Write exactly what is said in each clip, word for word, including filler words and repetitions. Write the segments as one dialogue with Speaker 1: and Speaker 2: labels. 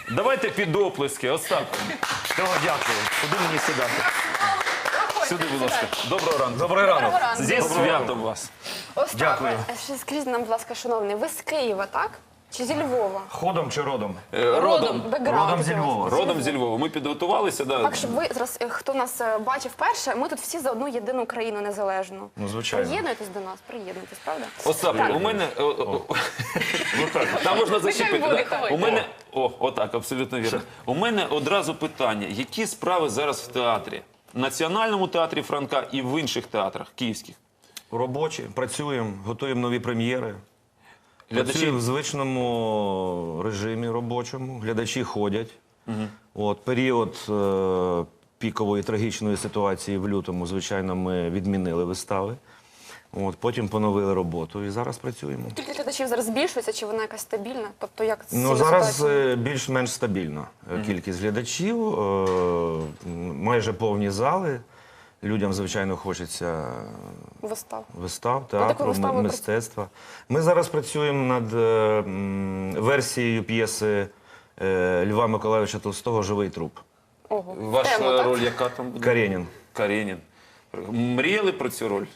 Speaker 1: Давайте під оплески. Остап.
Speaker 2: Того дякую. Куди мені сідати?
Speaker 1: Сюди, будь ласка. Доброго ранку.
Speaker 2: Добрий ранок.
Speaker 1: Зі святом вас.
Speaker 3: Остапе,
Speaker 2: Дякую.
Speaker 3: ще скажіть нам, будь ласка, шановний, ви з Києва, так? Чи зі Львова?
Speaker 2: Ходом чи родом?
Speaker 1: Е, Родом.
Speaker 3: Бекграунд
Speaker 2: Родом зі
Speaker 3: який у вас?
Speaker 2: Львова.
Speaker 1: Родом зі Львова. Ми підготувалися. Да.
Speaker 3: Так, щоб ви зараз, е, хто нас е, бачив перше, ми тут всі за одну єдину країну незалежну.
Speaker 2: Ну, звичайно.
Speaker 3: Приєднуйтесь до нас, приєднуйтесь, правда?
Speaker 1: Остап, у мене... о, о, о. Там можна зачепити.
Speaker 3: буде,
Speaker 1: да?
Speaker 3: давайте.
Speaker 1: У мене... О, отак, абсолютно вірно. У мене одразу питання. Які справи зараз в театрі? В Національному театрі Франка і в інших театрах київських?
Speaker 2: Робочі, працюємо, готуємо нові прем'єри.
Speaker 1: Глядачі?
Speaker 2: Працюємо в звичному режимі робочому. Глядачі ходять. От, період е, пікової трагічної ситуації в лютому, звичайно, ми відмінили вистави. От, потім поновили роботу і зараз працюємо.
Speaker 3: Кількість глядачів зараз збільшується, чи вона якась стабільна? Тобто, як з
Speaker 2: Ну,
Speaker 3: цією
Speaker 2: зараз
Speaker 3: ситуацією?
Speaker 2: е, більш-менш стабільна е, кількість глядачів, е, м, майже повні зали. Людям, звичайно, хочеться
Speaker 3: Вистав.
Speaker 2: вистав,
Speaker 3: таку
Speaker 2: театру,
Speaker 3: виставу
Speaker 2: м-
Speaker 3: ви
Speaker 2: мистецтва. Ми зараз працюємо над е, м, версією п'єси е, Льва Миколайовича Толстого «Живий труп».
Speaker 3: Ого.
Speaker 1: Ваша
Speaker 3: Тема, так?
Speaker 1: роль яка там буде?
Speaker 2: Каренін.
Speaker 1: Каренін. Мріяли про цю роль?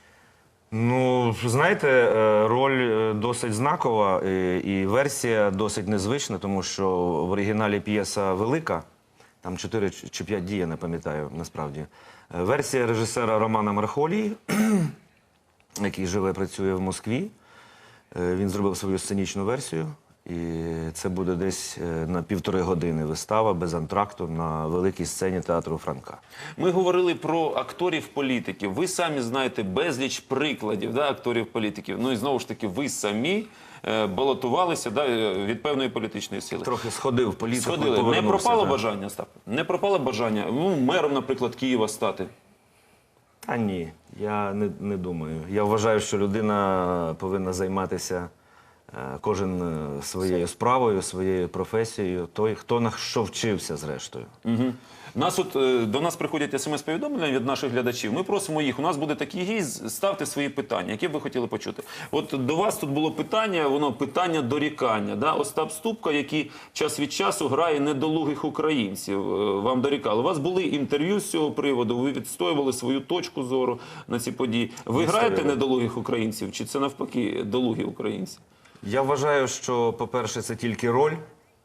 Speaker 2: Ну, знаєте, е, роль е, досить знакова е, і версія досить незвична, тому що в оригіналі п'єса велика, там чотири чи п'ять дій, я не пам'ятаю насправді. Е, Версія режисера Романа Мархолії, який живе, працює в Москві. Е, Він зробив свою сценічну версію. І це буде десь е, на півтори години вистава без антракту на великій сцені театру Франка.
Speaker 1: Ми говорили про акторів-політиків. Ви самі знаєте безліч прикладів, да, акторів-політиків. Ну і знову ж таки, ви самі е, балотувалися, да, е, від певної політичної сили.
Speaker 2: Трохи сходив в політику.
Speaker 1: Сходили. Не
Speaker 2: повернувся,
Speaker 1: пропало
Speaker 2: так.
Speaker 1: бажання, Остап? Не пропало бажання, ну, мером, наприклад, Києва стати?
Speaker 2: А ні, я не, не думаю. Я вважаю, що людина повинна займатися е, кожен е, своєю справою, своєю професією, той, хто на що вчився, зрештою.
Speaker 1: Угу. Нас от, е, до нас приходять смс-повідомлення від наших глядачів. Ми просимо їх, у нас буде такий гість, ставте свої питання, які б ви хотіли почути. От до вас тут було питання, воно питання дорікання. Да? Остап Ступка, який час від часу грає недолугих українців, е, вам дорікали. У вас були інтерв'ю з цього приводу, ви відстоювали свою точку зору на ці події. Ви граєте недолугих українців, чи це навпаки долугі українці?
Speaker 2: Я вважаю, що, по-перше, це тільки роль,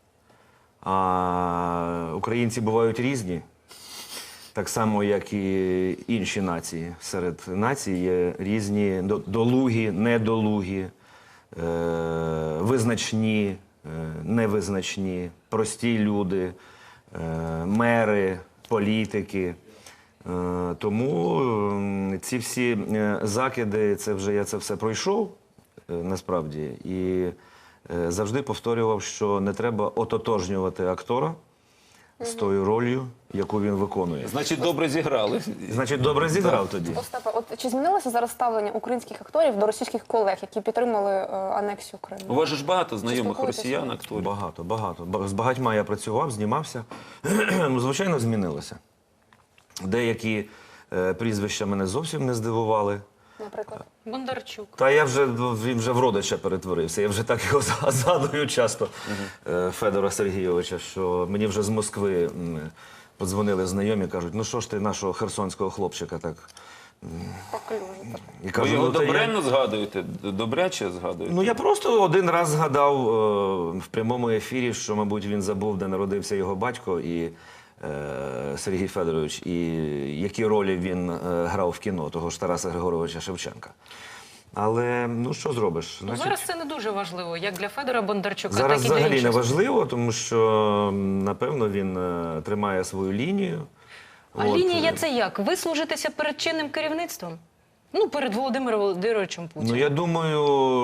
Speaker 2: а українці бувають різні, так само, як і інші нації. Серед націй є різні до- долугі, недолугі, е, визначні, е, невизначні, прості люди, е, мери, політики. Е, Тому м, ці всі е, закиди, це вже я це все пройшов, е, насправді, і е, завжди повторював, що не треба ототожнювати актора з тою ролью, яку він виконує.
Speaker 1: Значить, добре зіграли.
Speaker 2: Значить, добре зіграв тоді.
Speaker 3: Остапе, от чи змінилося зараз ставлення українських акторів до російських колег, які підтримали е, анексію
Speaker 1: У
Speaker 3: Криму?
Speaker 1: вас же ж багато знайомих
Speaker 3: спілкуєтеся?
Speaker 1: росіян, акторів.
Speaker 2: Багато, багато. Ба- З багатьма я працював, знімався. Ну, звичайно, змінилося. Деякі е, прізвища мене зовсім не здивували.
Speaker 3: Наприклад,
Speaker 4: Бондарчук.
Speaker 2: Та я вже, він вже в родича перетворився. Я вже так його згадую часто, е, Федора Сергійовича, що мені вже з Москви м, подзвонили знайомі, кажуть, ну що ж ти нашого херсонського хлопчика так.
Speaker 3: поклюжу.
Speaker 2: І
Speaker 1: Ви
Speaker 2: кажу,
Speaker 1: його
Speaker 2: ну, та я-
Speaker 1: добренно згадуєте? Добряче згадуєте?
Speaker 2: Ну я просто один раз згадав е, в прямому ефірі, що, мабуть, він забув, де народився його батько і е, Сергій Федорович, і які ролі він е, грав в кіно, того ж Тараса Григоровича Шевченка. Але ну що зробиш?
Speaker 4: Ну,
Speaker 2: Значить,
Speaker 4: зараз це не дуже важливо, як для Федора Бондарчука,
Speaker 2: зараз
Speaker 4: так і для
Speaker 2: взагалі не
Speaker 4: інших.
Speaker 2: важливо, тому що м, напевно він е, тримає свою лінію.
Speaker 4: А
Speaker 2: От,
Speaker 4: лінія
Speaker 2: е,
Speaker 4: це як? Вислужитися перед чинним керівництвом? Ну, перед Володимиром Володимировичем Путіним.
Speaker 2: Ну, я думаю,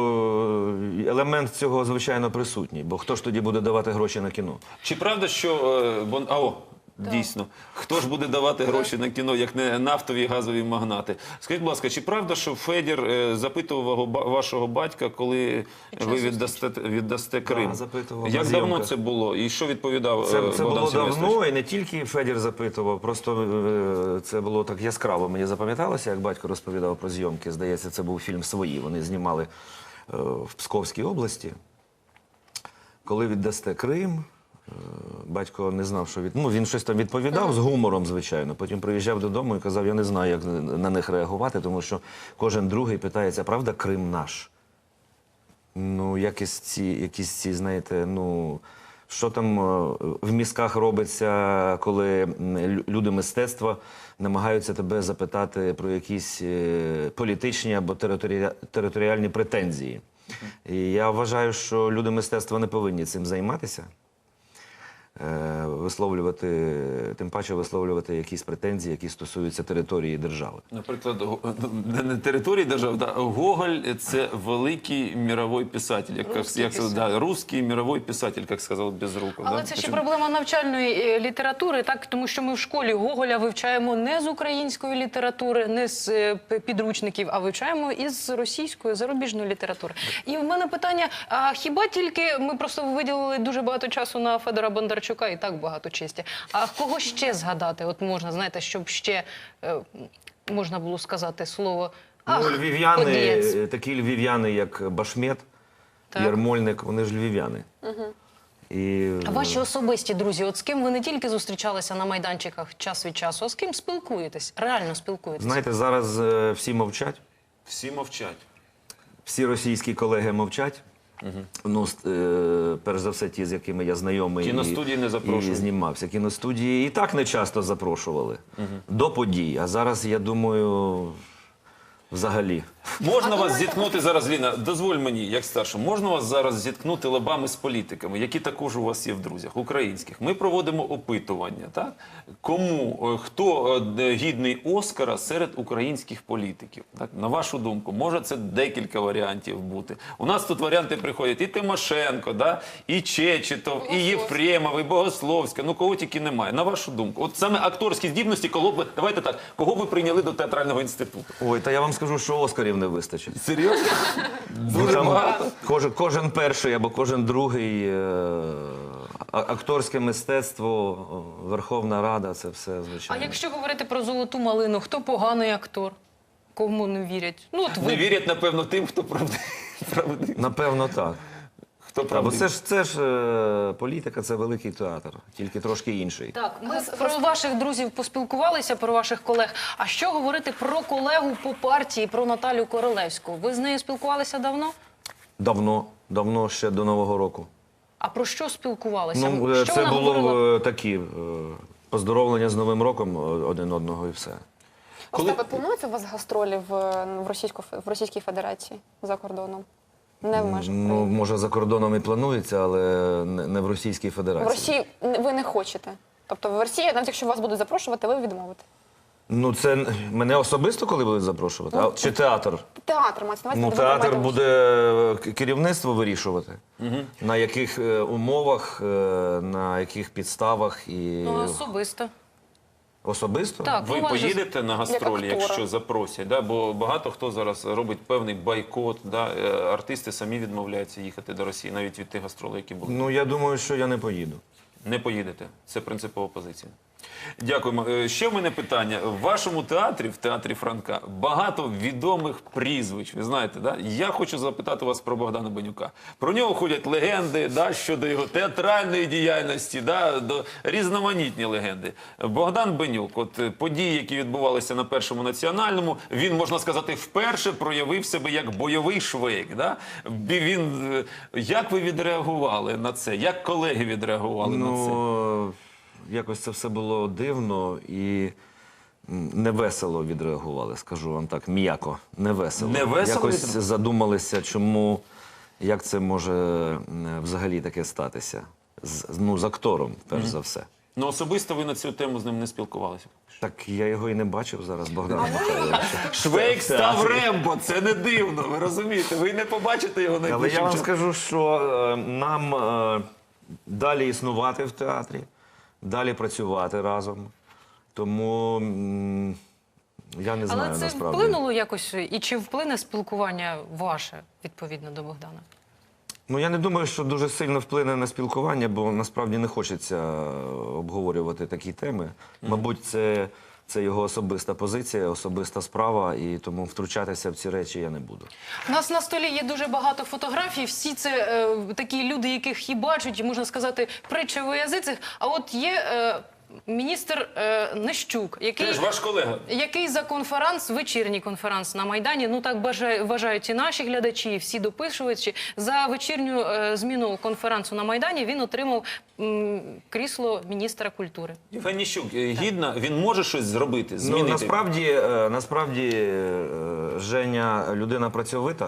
Speaker 2: елемент цього, звичайно, присутній, бо хто ж тоді буде давати гроші на кіно?
Speaker 1: Чи правда, що е, Бон... а, о, дійсно, хто ж буде давати гроші на кіно, як не нафтові і газові магнати? Скажіть, будь ласка, чи правда, що Федір е, запитував вого- ба- вашого батька, коли ви віддасте, віддасте Крим?
Speaker 2: Да, запитував,
Speaker 1: Як
Speaker 2: на
Speaker 1: давно
Speaker 2: зйомках.
Speaker 1: це було? І що відповідав
Speaker 2: Це,
Speaker 1: е,
Speaker 2: це
Speaker 1: Богдан
Speaker 2: було
Speaker 1: Сильвестрович?
Speaker 2: давно, і не тільки Федір запитував, просто е, це було так яскраво. Мені запам'яталося, як батько розповідав про зйомки. Здається, це був фільм «Свої». Вони знімали е, в Псковській області. Коли віддасте Крим, Батько не знав, що від... Ну, він щось там відповідав з гумором, звичайно. Потім приїжджав додому і казав, я не знаю, як на них реагувати, тому що кожен другий питається, правда, Крим наш? Ну, якісь ці, якісь ці, знаєте, ну, що там е, в мізках робиться, коли м, лю- люди мистецтва намагаються тебе запитати про якісь е, політичні або територі... територіальні претензії. І я вважаю, що люди мистецтва не повинні цим займатися. Е, Висловлювати, тим паче висловлювати якісь претензії, які стосуються території держави.
Speaker 1: Наприклад, го- не- не території держави, да, Гоголь – це великий мировий писатель, як,
Speaker 4: Русский
Speaker 1: як,
Speaker 4: писатель.
Speaker 1: да, русский мировий писатель, як сказав Безруков.
Speaker 4: Але
Speaker 1: да?
Speaker 4: це ще
Speaker 1: Причому-
Speaker 4: проблема навчальної е, літератури, так? Тому що ми в школі Гоголя вивчаємо не з української літератури, не з е, п- підручників, а вивчаємо із російської, зарубіжної літератури. І в мене питання, а хіба тільки ми просто виділили дуже багато часу на Федора Бондарчука, і так багато честі. А кого ще згадати? От можна, знаєте, щоб ще е, можна було сказати слово «ах,
Speaker 2: Ну, львів'яни,
Speaker 4: подієць».
Speaker 2: е, такі львів'яни, як Башмет,
Speaker 4: Так.
Speaker 2: Ярмольник, вони ж львів'яни. І,
Speaker 4: А ваші особисті друзі, от з ким ви не тільки зустрічалися на майданчиках час від часу, а з ким спілкуєтесь? Реально спілкуєтесь?
Speaker 2: знаєте, зараз е, всі мовчать,
Speaker 1: Всі мовчать.
Speaker 2: всі російські колеги мовчать. Ну, с- е, перш за все, ті, з якими я знайомий
Speaker 1: Кіностудії
Speaker 2: і,
Speaker 1: не запрошують.
Speaker 2: і знімався. Кіностудії і так не часто запрошували до подій. А зараз, я думаю, взагалі.
Speaker 1: Можна вас зіткнути зараз, Ліна, дозволь мені, як старшому, можна вас зараз зіткнути лобами з політиками, які також у вас є в друзях, українських. Ми проводимо опитування, так? Кому, е, хто е, гідний Оскара серед українських політиків? Так? На вашу думку, може це декілька варіантів бути. У нас тут варіанти приходять і Тимошенко, да? І Чечетов, і Єфремов, і Богословська, ну кого тільки немає. На вашу думку, от саме акторські здібності, кого б, давайте так, кого ви прийняли до театрального інституту?
Speaker 2: Ой, та я вам скажу, що Оскарів не вистачить.
Speaker 1: Серйозно?
Speaker 2: Ну,
Speaker 1: Дуже
Speaker 2: там
Speaker 1: багато.
Speaker 2: кожен, кожен перший або кожен другий е, а- акторське мистецтво, о, Верховна Рада, це все
Speaker 4: А
Speaker 2: звичайно.
Speaker 4: якщо говорити про «Золоту малину», хто поганий актор? Кому не вірять? Ну, от ви...
Speaker 1: Не вірять, напевно, тим, хто правди- правдивий.
Speaker 2: Напевно, так.
Speaker 1: Хто
Speaker 2: Та, бо
Speaker 1: правдивий.
Speaker 2: це ж це ж е, політика, це великий театр, тільки трошки інший.
Speaker 4: Так, ми про ваших друзів поспілкувалися, про ваших колег. А що говорити про колегу по партії, про Наталю Королевську? Ви з нею спілкувалися давно?
Speaker 2: Давно, давно, ще до Нового року.
Speaker 4: А про що спілкувалися?
Speaker 2: Ну, е,
Speaker 4: що
Speaker 2: це
Speaker 4: вона
Speaker 2: було
Speaker 4: говорила?
Speaker 2: е, такі е, поздоровлення з Новим роком е, один одного і все.
Speaker 1: Коли-
Speaker 3: Остапе, плануються у вас гастролі в, в, Російську, в Російській Федерації за кордоном? Не в межах
Speaker 2: Ну,
Speaker 3: України.
Speaker 2: може, за кордоном і планується, але не, не в Російській
Speaker 3: В
Speaker 2: Федерації.
Speaker 3: Росії ви не хочете. Тобто в Росії, навіть якщо вас будуть запрошувати, ви відмовите.
Speaker 2: Ну, це н- мене особисто коли будуть запрошувати? А, чи театр?
Speaker 3: Театр мається на увазі,
Speaker 2: Ну,
Speaker 3: ви
Speaker 2: театр
Speaker 3: приймаєте
Speaker 2: буде е, к- керівництво вирішувати, на яких е, умовах, е, на яких підставах і
Speaker 4: Ну, особисто.
Speaker 2: особисто.
Speaker 4: Так,
Speaker 1: Ви
Speaker 4: ну, вас же-
Speaker 1: поїдете на гастролі,
Speaker 3: актора.
Speaker 1: якщо запросять, да? Бо багато хто зараз робить певний бойкот, да? Е, артисти самі відмовляються їхати до Росії, навіть від тих гастролей, які були.
Speaker 2: Ну, я думаю, що я не поїду.
Speaker 1: Не поїдете. Це принципова позиція. Дякуємо. Е, Ще в мене питання. В вашому театрі, в театрі Франка, багато відомих прізвищ. Ви знаєте, да? Я хочу запитати вас про Богдана Бенюка. Про нього ходять легенди, да, щодо його театральної діяльності, да, до різноманітні легенди. Богдан Бенюк, от е, події, які відбувалися на Першому національному, він, можна сказати, вперше проявив себе як бойовий швейк. Да? Бі- Він, е, як ви відреагували на це? Як колеги відреагували на це?
Speaker 2: Ну, якось це все було дивно і м, невесело відреагували, скажу вам так, м'яко, невесело.
Speaker 1: Невесело
Speaker 2: Якось
Speaker 1: відреагували?
Speaker 2: задумалися, чому, як це може м, взагалі таке статися. З, ну, з актором, перш за все.
Speaker 1: Ну, особисто ви на цю тему з ним не спілкувалися.
Speaker 2: Так я його і не бачив зараз, Богдана Михайловича.
Speaker 1: Швейк став Рембо, це не дивно, ви розумієте? Ви не побачите його
Speaker 2: Але
Speaker 1: найближчим
Speaker 2: я вам
Speaker 1: часом.
Speaker 2: скажу, що е, нам е, далі існувати в театрі, далі працювати разом. Тому м, я не знаю
Speaker 4: Але це
Speaker 2: насправді.
Speaker 4: вплинуло якось, і чи вплине спілкування ваше, відповідно, до Богдана?
Speaker 2: Ну, я не думаю, що дуже сильно вплине на спілкування, бо насправді не хочеться обговорювати такі теми. Мабуть, це Це його особиста позиція, особиста справа, і тому втручатися в ці речі я не буду.
Speaker 4: У нас на столі є дуже багато фотографій. Всі це е, такі люди, яких і бачать, можна сказати, притча во язицях. А от є е, міністр е, Нищук, який...
Speaker 1: Теж ваш колега.
Speaker 4: Який за конференц, вечірній конференц на Майдані, ну так бажаю, вважають і наші глядачі, і всі дописувачі, за вечірню е, зміну конференцу на Майдані він отримав м, крісло міністра культури.
Speaker 1: Євген Нищук, е, гідно, він може щось зробити, змінити?
Speaker 2: Ну, насправді, е, насправді е, Женя людина працьовита.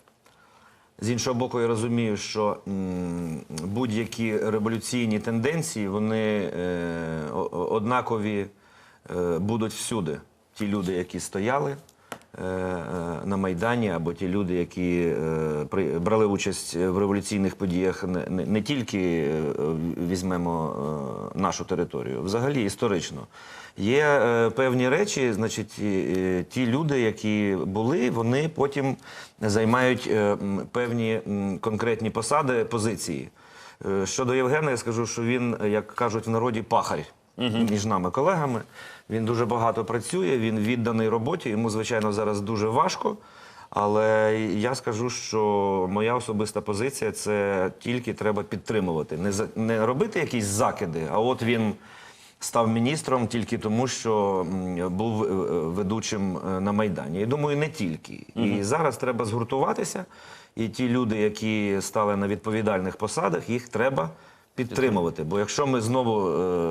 Speaker 2: З іншого боку, я розумію, що м, будь-які революційні тенденції, вони е, о- о- однакові е, будуть всюди. Ті люди, які стояли е, е, на Майдані, або ті люди, які е, при, брали участь в революційних подіях, не, не, не тільки е, візьмемо е, нашу територію, взагалі історично. Є е, певні речі, значить, і, е, ті люди, які були, вони потім займають е, м, певні м, конкретні посади, позиції. Е, щодо Євгена, я скажу, що він, як кажуть в народі, пахарь між нами колегами. Він дуже багато працює, він відданий роботі, йому, звичайно, зараз дуже важко. Але я скажу, що моя особиста позиція – це тільки треба підтримувати. Не, за- не робити якісь закиди, а от він став міністром тільки тому, що м, був е, ведучим е, на Майдані. Я думаю, не тільки. І зараз треба згуртуватися, і ті люди, які стали на відповідальних посадах, їх треба підтримувати. Бо якщо ми знову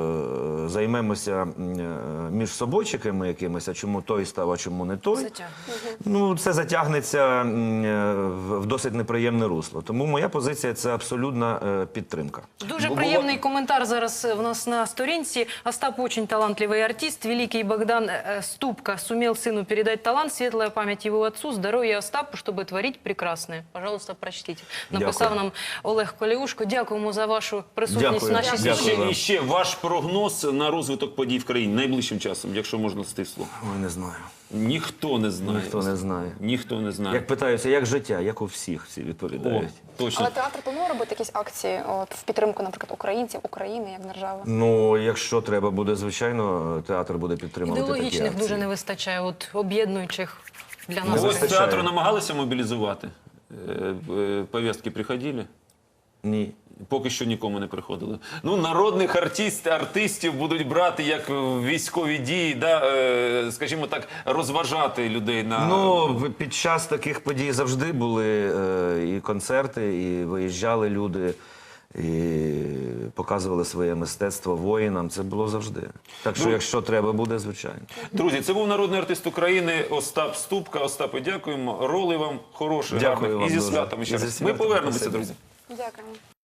Speaker 2: е, займемося м, е, між собойчиками якимись, а чому той став, а чому не той,
Speaker 4: Затягнуто.
Speaker 2: ну це затягнеться м, е, в в досить неприємне русло. Тому моя позиція – це абсолютна е, підтримка.
Speaker 4: Дуже
Speaker 1: Бо
Speaker 4: приємний коментар зараз в нас на сторінці. Остап очень талантливый артист. Великий Богдан э, Ступка сумел сыну передать талант. Светлая память его отцу. Здоровья Остапу, чтобы творить прекрасное. Пожалуйста, прочтите. Написав
Speaker 2: Дякую.
Speaker 4: нам Олег Колеушко. Дякуємо за вашу присутність
Speaker 2: Дякую.
Speaker 4: в нашій
Speaker 2: Дякую.
Speaker 4: студії.
Speaker 2: вам.
Speaker 1: І ще ваш прогноз на розвиток подій в країні найближчим часом, якщо можна стисло.
Speaker 2: Ой, не знаю.
Speaker 1: Ніхто не знає.
Speaker 2: Ніхто не знає.
Speaker 1: Ніхто не знає.
Speaker 2: Як питаюся, як життя, як у всіх всі
Speaker 1: О,
Speaker 2: відповідають.
Speaker 1: точно.
Speaker 3: Але театр планує робити якісь акції от, в підтримку, наприклад, українців, України як держави?
Speaker 2: Ну, якщо треба буде, звичайно, театр буде підтримувати такі
Speaker 4: Ідеологічних
Speaker 2: акції.
Speaker 4: дуже не вистачає, от об'єднуючих для нас.
Speaker 2: Не
Speaker 1: Ось
Speaker 2: вистачає.
Speaker 1: театру намагалися мобілізувати? Е, е, Повістки приходили?
Speaker 2: Ні.
Speaker 1: Поки що нікому не приходили. Ну, народних артист, артистів будуть брати як в військові дії, да, е, скажімо так, розважати людей на...
Speaker 2: Ну, в- під час таких подій завжди були е, і концерти, і виїжджали люди, і показували своє мистецтво воїнам. Це було завжди. Так що,
Speaker 1: Ну,
Speaker 2: якщо треба буде, звичайно.
Speaker 1: Друзі, це був народний артист України Остап Ступка. Остапе, дякуємо. Роли вам хороших,
Speaker 2: Дякую
Speaker 1: гарних.
Speaker 2: вам
Speaker 1: І зі
Speaker 2: дуже.
Speaker 1: святом ще
Speaker 2: І зі
Speaker 1: раз. Ми
Speaker 2: святом.
Speaker 1: повернемося,
Speaker 2: Спасибо.
Speaker 1: друзі.
Speaker 3: Дякуємо.